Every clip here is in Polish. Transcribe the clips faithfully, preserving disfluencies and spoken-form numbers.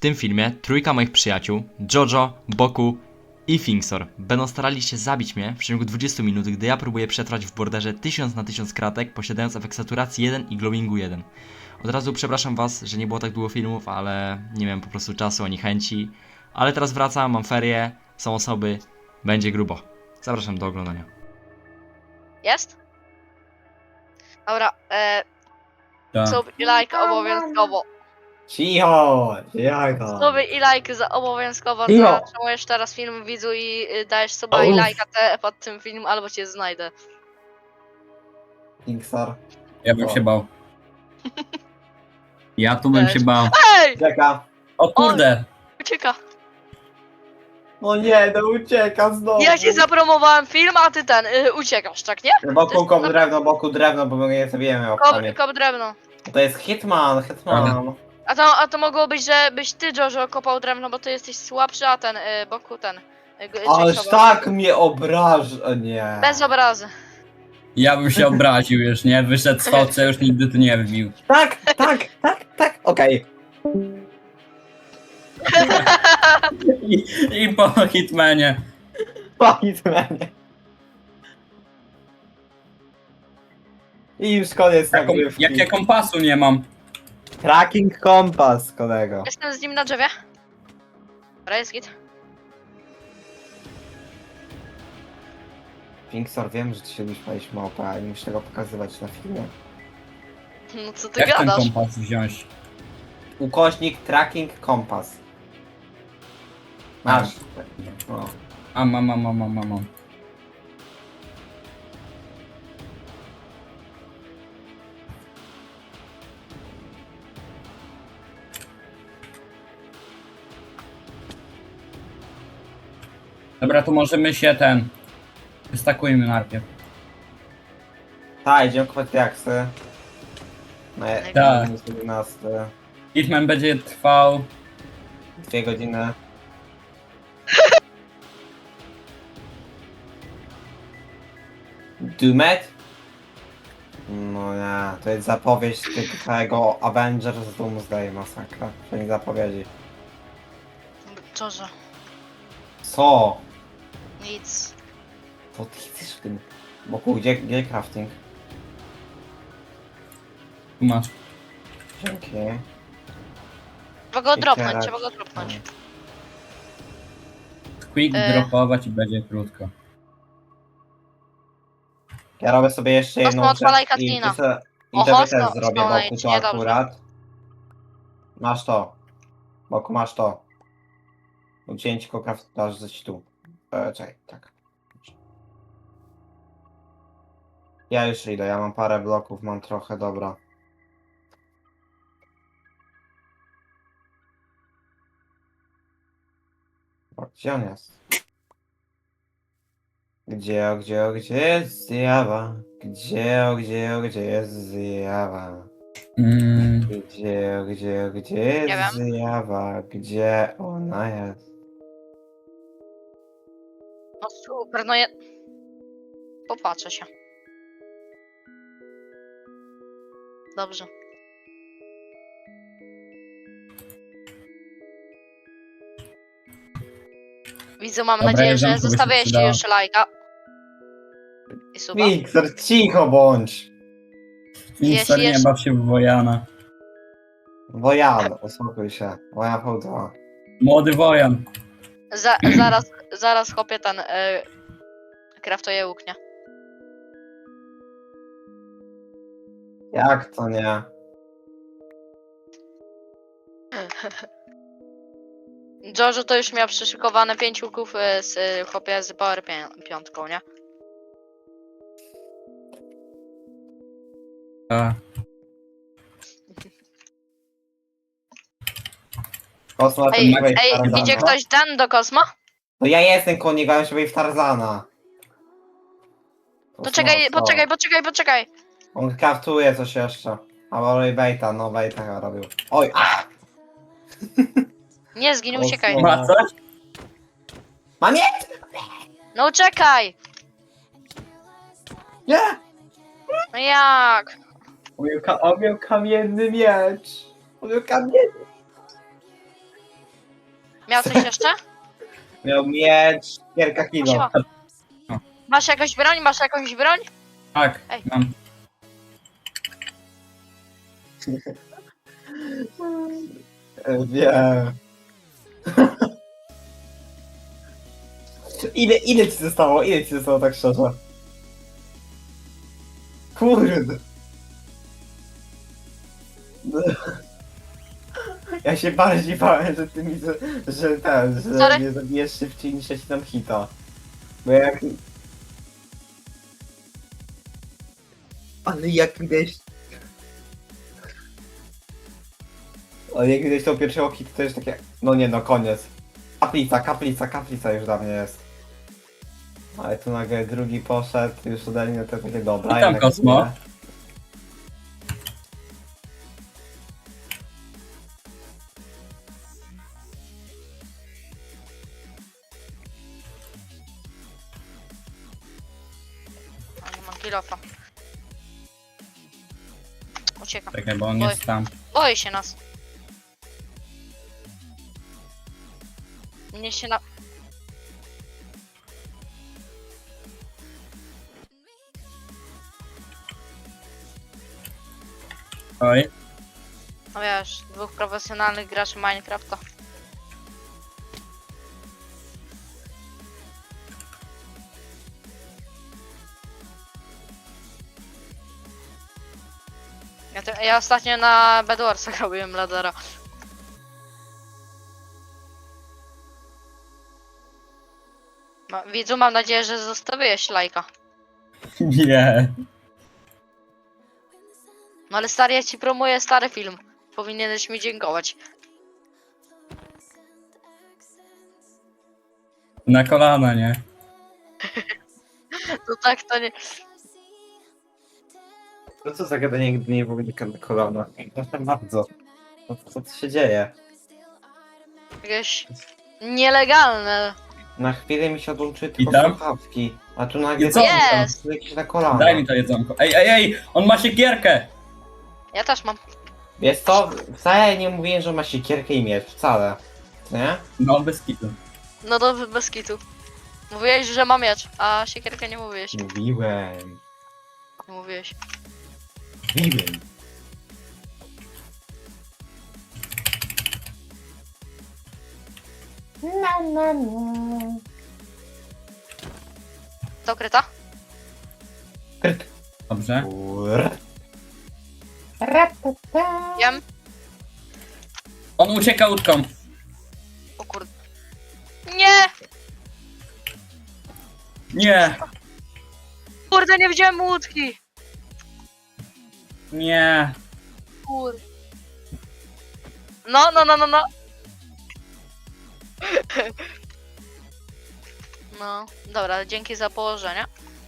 tym filmie trójka moich przyjaciół, Jojo, Boku i Finksor, będą starali się zabić mnie w ciągu dwudziestu minut, gdy ja próbuję przetrwać w borderze tysiąc na tysiąc kratek, posiadając efekt saturacji jeden i glowingu jeden. Od razu przepraszam was, że nie było tak długo filmów, ale nie miałem po prostu czasu ani chęci. Ale teraz wracam, mam ferie, są osoby, będzie grubo. Zapraszam do oglądania. Jest? Dobra, e, Tak. sub i like obowiązkowo. Cicho! Cicho! Suby i like za obowiązkowo. Cicho. Zatrzymujesz teraz film widzu i y, dajesz suba i Uff. lajka te pod tym filmem, albo cię znajdę. Pixar. Ja bym O. się bał. Ja tu bym Też. się bał. Ej! Ucieka. O kurde! Ucieka. No nie, no ucieka znowu. Ja ci zapromowałem film, a ty ten, y, uciekasz, tak nie? Boku kop drewno, boku drewno, bo my nie zabijemy Kop, łapkami. kop drewno. To jest Hitman, Hitman. A to, a to mogło być, że byś ty, Jojo, kopał drewno, bo ty jesteś słabszy, a ten, y, Boku ten. Y, g- Ależ Jacoba. tak mnie obraża, nie. Bez obrazy. Ja bym się obraził już, nie? Wyszedł z V C, już nigdy tu nie wbił. Tak, tak, tak, tak, okej. I, I po Hitmanie. Po Hitmanie. I już koniec Jaką, nagrywki. jak ja kompasu nie mam. Tracking kompas, kolego. Jestem z nim na drzewie. Dobra, jest git. Pixar, wiem, że ty się lubisz palić małpę, ale nie musisz tego pokazywać na filmie. No co ty Jak ten gadasz? kompas wziąć? Ukośnik tracking kompas. Masz. O. A mam, mam, mam, mam, mam. Dobra, to możemy się ten... Wystakujmy najpierw. Tak, idziemy kupować diaksy. No, Tak. minus jedenaście. Hitman będzie trwał... Dwie godziny. Doomed? No nie, to jest zapowiedź tego Avengers Doomsday Masakra. To nie zapowiedzi. Jojo, Co? nic. Co ty chcesz w tym boku? Gdzie, gdzie crafting? Tu masz. Dzięki. Trzeba go I dropnąć, teraz- trzeba go dropnąć. Quick E. dropować i będzie krótko. Ja robię sobie jeszcze jedną Osmo, odpalaj rzecz i cutscene'a. ty se- i Oho, tobie też spo- zrobię spawna boku idź, to niedobrze. akurat. Masz to. Boku masz to. Ucięć tylko craftaż coś tu. E, czekaj, tak. Ja już idę, ja mam parę bloków, mam trochę, dobra. O, gdzie on jest? Gdzie, o, gdzie, o, gdzie jest zjawa? Gdzie, o, gdzie, o, gdzie jest zjawa? Mm, Gdzie, o, gdzie, o, gdzie jest wiem. zjawa? Gdzie ona jest? No super, no ja... Popatrzę się. Dobrze. Widzę, mam Dobra, nadzieję, że jedzonko by się zostawiłeś ci przydało. jeszcze lajka. I suba. Wiktor, cicho bądź! Mister, nie jeszcze- baw się w Wojana. Wojan, uspokój się. Wojan V dwa. Młody Wojan. Za, zaraz, zaraz chopię ten... Y, kraftuję łuk, nie? Jak to nie? Jojo to już miał przyszykowane pięć łuków y, z y, chłopie z Power pię- piątką, nie? A, Kosmo, ty Ej, nie byłeś w ej, Tarzana? idzie ktoś ten do Kosmo? To ja jestem konik, ale się w Tarzana. To czekaj, Kosmo, poczekaj, poczekaj, poczekaj. On kraftuje coś jeszcze. Albo robi baita, no baita chyba robił. Oj, a! Nie zgin, Kosmo. uciekaj. ma coś? Mam je! No uciekaj! Nie! No jak? On miał, ka- on miał kamienny miecz. On miał kamienny. Miał coś jeszcze? Miał miecz, kilka kilo. Siema. Masz jakąś broń? Masz jakąś broń? Tak, Ej. mam. Wiem. Ile, ile ci zostało? Ile ci zostało tak szczerze? Kurde. Ja się bardziej bałem, że ty mi, że, że ten, że Sorry. mnie zabijesz szybciej niż ja ci dam hita. Bo jak... Ale jak widać... Ale jak widać tą pierwszego hita, to jest takie... No nie no, koniec. Kaplica, kaplica, kaplica już dla mnie jest. Ale tu nagle drugi poszedł, już ode mnie to takie dobra. Witam, jednak Kosmo. nie. A, nie mam kilofa. Uciekam. Czekaj, bo on Oj. jest tam. Boi się nas. Mnie się na... Oj. No wiesz, dwóch profesjonalnych graczy Minecrafta. Ja, te, ja ostatnio na Bedwarsa robiłem ladera. Ma, widzu, mam nadzieję, że zostawiłeś lajka. Nie. No ale stary, ja ci promuję stary film. Powinieneś mi dziękować. Na kolana, nie? No tak, to nie... No co za gadanie, nigdy nie było na kolana. Proszę bardzo. No co tu się dzieje? Jakieś... nielegalne. Na chwilę mi się odłączyły tylko Witam. słuchawki. A tu nagle... Co? Jest! Jakieś na kolana. Daj mi to jedzonko. Ej, ej, ej! On ma siekierkę! Ja też mam. Wiesz co? Wcale nie mówiłem, że ma siekierkę i miecz. Wcale. Nie? No, bez kitu. No dobrze, bez kitu. Mówiłeś, że mam miecz, a siekierkę nie mówiłeś. Mówiłem. Nie mówiłeś. Mówiłem. To kryta? Kryt. Dobrze. Kur. Wiem. On ucieka łódką. O kurde. Nie! Nie! Kurde, nie widziałem łódki! Nie! Kurde. No, no, no, no, no. No, dobra, dzięki za położenie.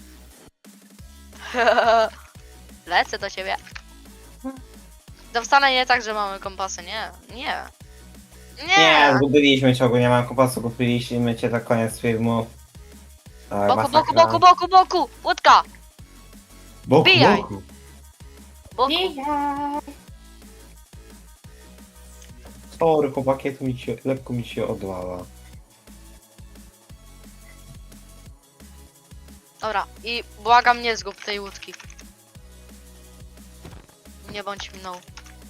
Lecę do ciebie. To wcale nie tak, że mamy kompasy, nie, nie. Nie, Nie! zgubiliśmy cię, ogólnie nie mam kompasu, kupiliśmy cię na koniec filmu. Tak, Boku, boku, masakra. boku, boku, boku! Łódka! Boku, Wbijaj. boku. Boku. Sorry, chłopaki, tu mi się, lekko mi się odlała. Dobra, i błagam, nie zgub tej łódki. Nie bądź mną.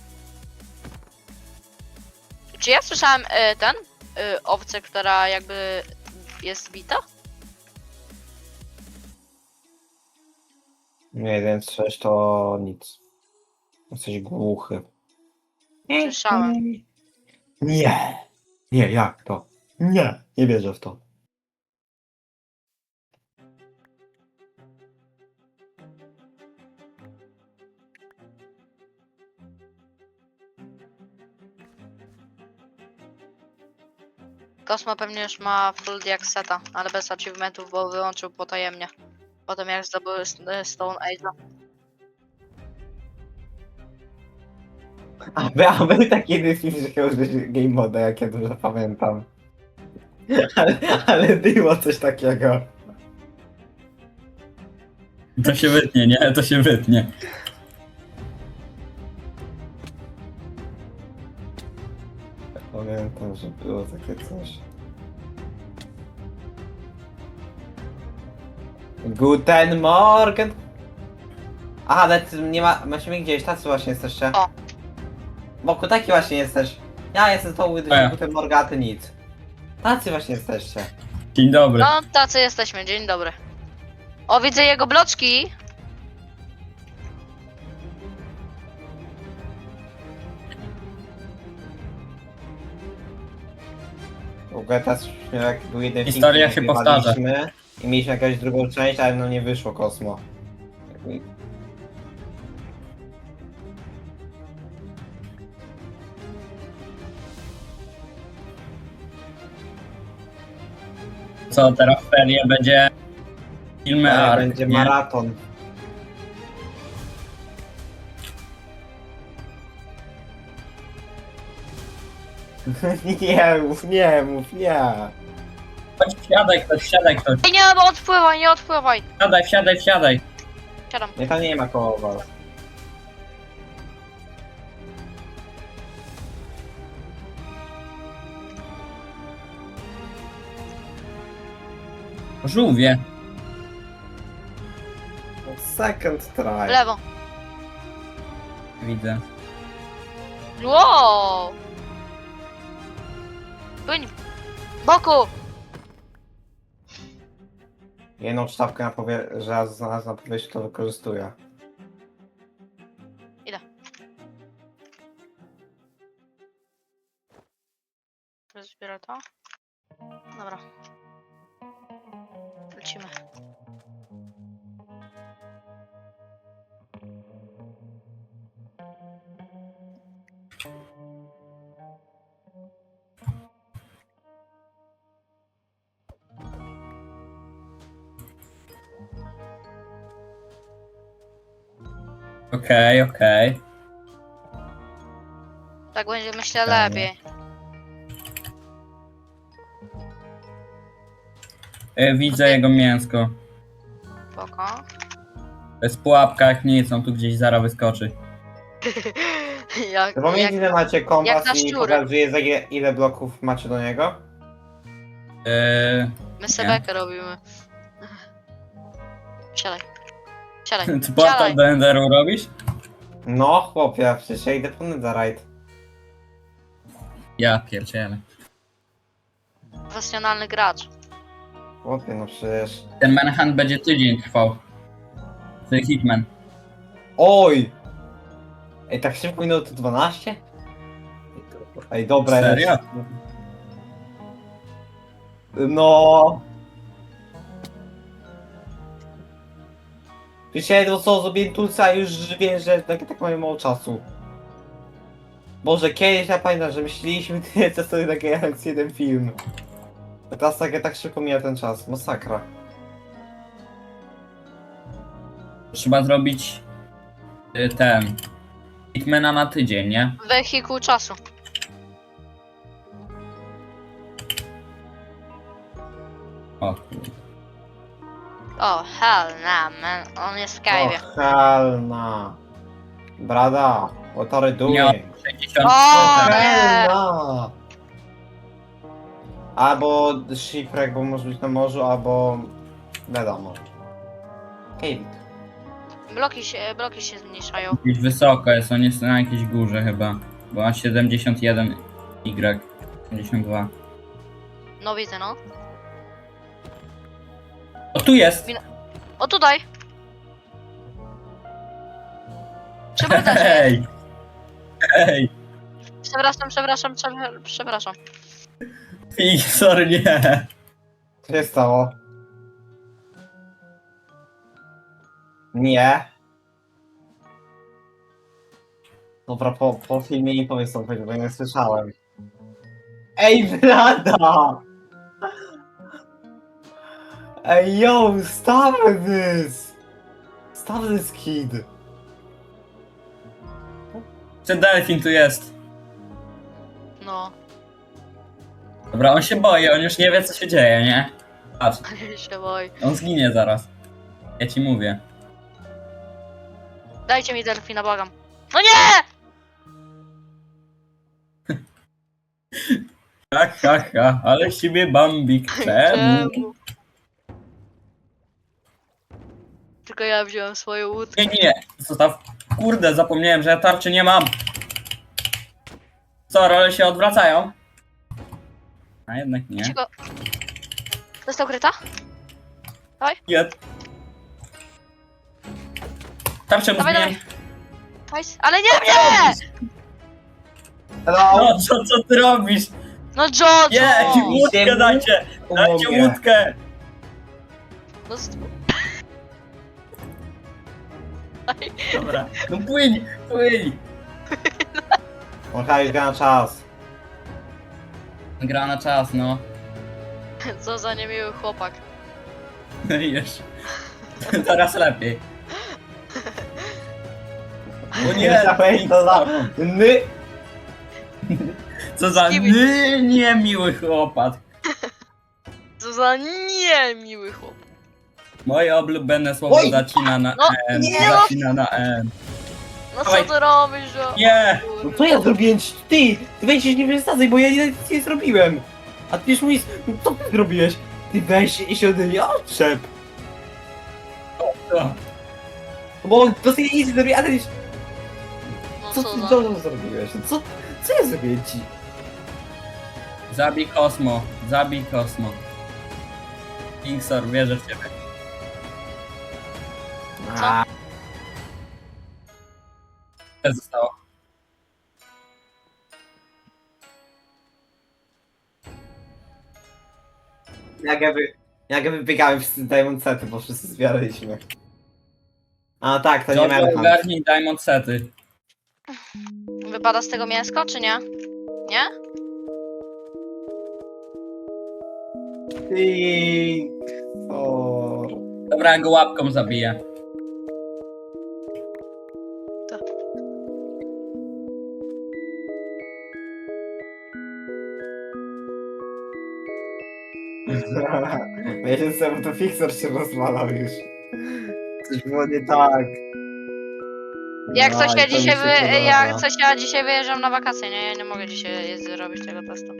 Czy ja słyszałem y, ten? Y, owcę, która jakby jest bita? Nie, więc sześć to nic. Jesteś głuchy. Słyszałem. Nie. Nie, jak to? Nie, nie wierzę w to. Kosmo pewnie już ma full diakseta, ale bez achievementów, bo wyłączył potajemnie. Potem jak zdobył s- Stone Age'a. A, by, a był taki jeden film, że chciał użyć game moda, jak ja dobrze pamiętam. Ale, ale było coś takiego. To się wytnie, nie? To się wytnie. One pamiętam, że było takie coś. Guten Morgen! Aha, ale ty nie ma... Musimy gdzieś, tacy właśnie jesteście. O. Boku, taki właśnie jesteś. Ja jestem z tą A ja. Guten Morgen, a ty nic. Tacy właśnie jesteście. Dzień dobry. No, tacy jesteśmy, dzień dobry. O, widzę jego bloczki. W ogóle teraz jak był jeden film, Historia który się powtarza. nagrywaliśmy i mieliśmy jakąś drugą część, ale no nie wyszło Kosmo. Co teraz w ferie będzie filmy Ale Ark, będzie nie? maraton. Nie mów, nie mów, nie. Chodź, wsiadaj ktoś, wsiadaj ktoś. Ej, nie, bo odpływaj, nie odpływaj. Wsiadaj, wsiadaj, wsiadaj. Siadam. Nie, tam nie ma koło was. Żółwie. Second W try. lewo. Widzę. Wow. Płyń. Boku. Jedną sztabkę na powie... że ja znalazłem na powierzchni, to wykorzystuję. Zbiorę to. Dobra. Lecimy. Okej, okej. Tak będzie, myślę, Dobra. lepiej. Y, Widzę jego mięsko. Spoko. To jest pułapka, jak nic, on tu gdzieś zaraz wyskoczy. jak, To pomiędzy jak, ile macie jak kompas na i szczury. pokazuje za ile, ile bloków macie do niego? Yy, my sobie Nie. bekę robimy. Siadaj. Siadaj. ty portal Siadaj. do Enderu robisz? No chłopie, przecież ja idę po Netherite. Ja pierdzielę. Profesjonalny gracz. Chłopie, no przecież... Ten Manhunt będzie tydzień trwał. To jest Hitman. Oj! Ej, tak szybko minęło to dwanaście? Ej, dobra. Serio? ja- No. Przecież ja jedno co zrobiłem tulca i już wiem, że tak, tak mamy mało czasu. Boże, kiedyś ja pamiętam, że myśleliśmy tyle co sobie takie jak jeden film. A teraz tak, tak szybko mija ten czas, masakra. Trzeba zrobić y, ten Hitmana na tydzień, nie? Wehikuł czasu. O kurde. O, hell nah, man. On jest w kajwie. O, helna. Brada, what are you doing? Miał sześćdziesiąt O! procent. nie. Helna! Albo shipwreck, bo może być na morzu, albo... wiadomo. Cave. Bloki się, bloki się zmniejszają. Gdzieś wysoko jest, on jest na jakiejś górze chyba. Bo ma siedemdziesiąt jeden Y. siedemdziesiąt dwa. No widzę, no. O, tu jest! O, tutaj. Przepraszam, Hej! Hej! przepraszam, przepraszam, przepraszam, przepraszam. Fig, sorry, nie! Co się stało? Nie. Dobra, po, po filmie nie powiem co powiedzieć, bo nie słyszałem. Ej, blada! Ej, yo, stop this! Stop this kid! Ten delfin tu jest. No, Dobra, on się boi, on już nie wie co się dzieje, nie? Patrz, się boi. on zginie zaraz. Ja ci mówię. Dajcie mi delfina, błagam. No nie! Ha, ha, ha, ale z ciebie Bambik, czemu? Czemu? Tylko ja wziąłem swoją łódkę. Nie, nie, zostaw. Kurde, zapomniałem, że ja tarczy nie mam. Co, role się odwracają? A jednak nie. Cicho. Dostał kryta? Jed. Tarczę mu Dawaj, zmieniam. dawaj. Nice. Ale nie mnie! Hello! No, co, co ty robisz? No Jojo! Nie, łódkę Ziemi? dajcie! Dajcie Pomogę. łódkę! No, st- Dobra, no płyń, płyń! Machaj gra na czas. Gra na czas, no. co za niemiły chłopak. Już. Teraz lepiej. O nie, Dawaj, to za... Ny! co za Kiwi. ny, niemiły chłopak. Co za niemiły chłopak. Moje ulubione słowo Oj! zacina na No, N, nie. zacina na N. No co Dawaj. ty robisz, że... Nie! No co ja zrobiłem? Ty! Ty weź się nie wysadzaj, bo ja nic nie zrobiłem! A ty już mówisz, no co ty zrobiłeś? Ty weź i się ode mnie odczep! O, Bo to sobie nic nie zrobiłem, ale No co co ty za... dobrze zrobiłeś? Co, co ja zrobiłem ci? Zabij Kosmo, zabij Kosmo. Kingsor, wierzę w ciebie. Co? A, Co zostało? jak jakby, jak jakby biegałem wszyscy Diamond Sety, bo wszyscy zbieraliśmy. A tak, to nie Jojo, miałem. ogarnij Diamond Sety. Wypada z tego mięsko, czy nie? Nie? Ty... O... Dobra, ja go łapką zabiję. Myślę sobie, to Fixer się rozwalał już. Coś było nie tak. Jak No, coś i ja to mi dzisiaj się wy... podoba. jak coś ja dzisiaj wyjeżdżam na wakacje, nie? Ja nie mogę dzisiaj jest- zrobić tego testu.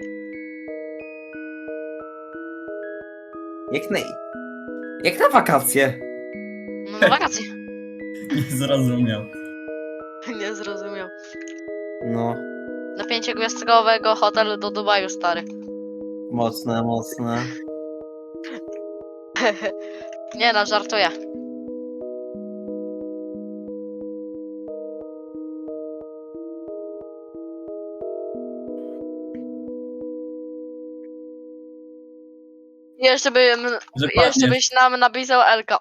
Jak na... Jak na wakacje. No na wakacje. Nie zrozumiał. nie zrozumiał. No. Do pięciogwiazdkowego hotelu do Dubaju, stary. Mocne, mocne. nie no, żartuję. Jeszcze bym, Że jeszcze padniesz. byś nam napisał Elka.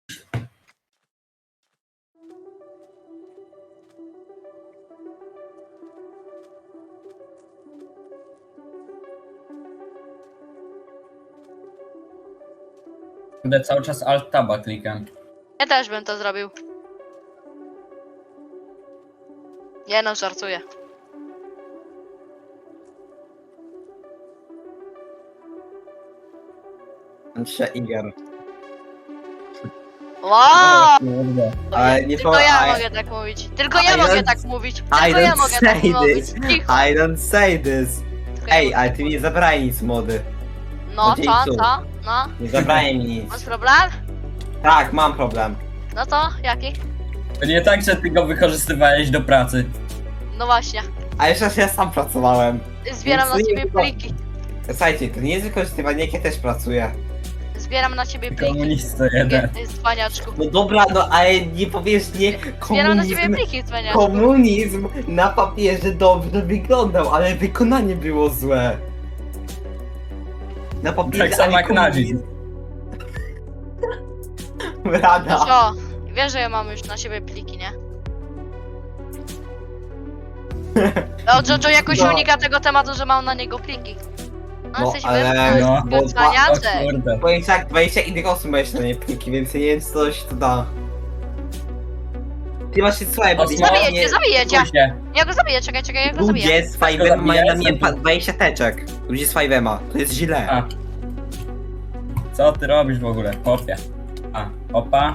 Będę cały czas Alt Taba klikam. Ja też bym to zrobił. Nie no, żartuję. Trzy Iger. Wow! Kurde. Ale nie Tylko po- ja I- mogę tak mówić. Tylko I ja mogę don't- tak mówić. I Tylko ja don't mogę tak say mówić. this. Cicho. I don't say this. Tylko ja Ej, mówię. ale ty mi zabrałeś nic mody. No, to co, dzień co? No, Nie zabrałeś mi nic. masz problem? Tak, mam problem. No to, jaki? To nie tak, że ty go wykorzystywałeś do pracy. No właśnie. A jeszcze raz ja sam pracowałem. Zbieram na Nic nie ciebie było. pliki. Słuchajcie, to nie jest wykorzystywanie, jak ja też pracuję. Zbieram na ciebie pliki. Komunista jeden. Ty cwaniaczku. No dobra, no ale nie powiesz nie, Zbieram na ciebie komunizm, pliki, cwaniaczku. komunizm na papierze dobrze wyglądał, ale wykonanie było złe. Na papierze, Tak samo ale jak nazizm. No Rada. co? Wiesz, że ja mam już na siebie pliki, nie? No, Jojo jakoś No. unika tego tematu, że mam na niego pliki. No, No, jesteś ale- wy- no, wy- bo- O cwaniaczek. kurde. Powiem tak, dwadzieścia innych osób ma jeszcze na nie pliki, więc ja nie wiem, co coś to da. Ty masz się słuchaj, bo Osmo- Zabiję cię, zabiję cię. Spójrz się. Ja go zabiję, czekaj, czekaj, ja go zabiję. ludzie z Go Five'em mają na zabijaj, mnie pa- zabij. dwadzieścia teczek. Ludzie z Five'ema, to jest źle. A. Co ty robisz w ogóle? Kopia. A, opa.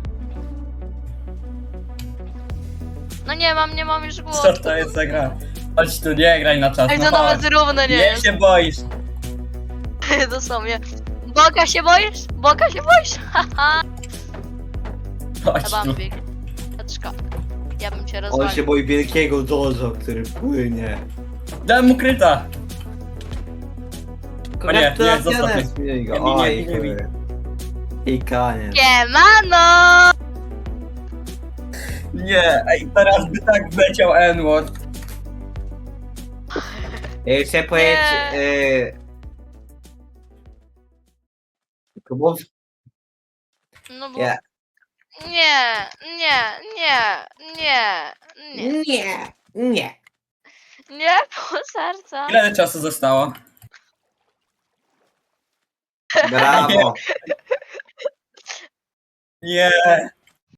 No nie mam, nie mam już głowy. Co to jest za gra? Chodź tu, nie graj na czas, Ej, no to nawet chodź. równe nie Nie jest. się boisz. Dosłownie. Boga się boisz? Boga się boisz? Haha. Chodź tu. Bambik. Patrzka. Ja bym cię On rozwalił. się boi wielkiego Jojo, który płynie. Dałem mu kryta. O nie, nie, zostaw mnie. Zmień go. Nie, nie, Oj, nie, nie, nie. kurde. I koniec. Siemano! Nie, ej, teraz by tak wleciał N-word. Jeszcze powiedz... Nie. Yy... Kubów? No bo... Nie. Nie, nie, nie, nie, nie. Nie, nie. Nie, pół serca. Ile czasu zostało? Brawo. Nie.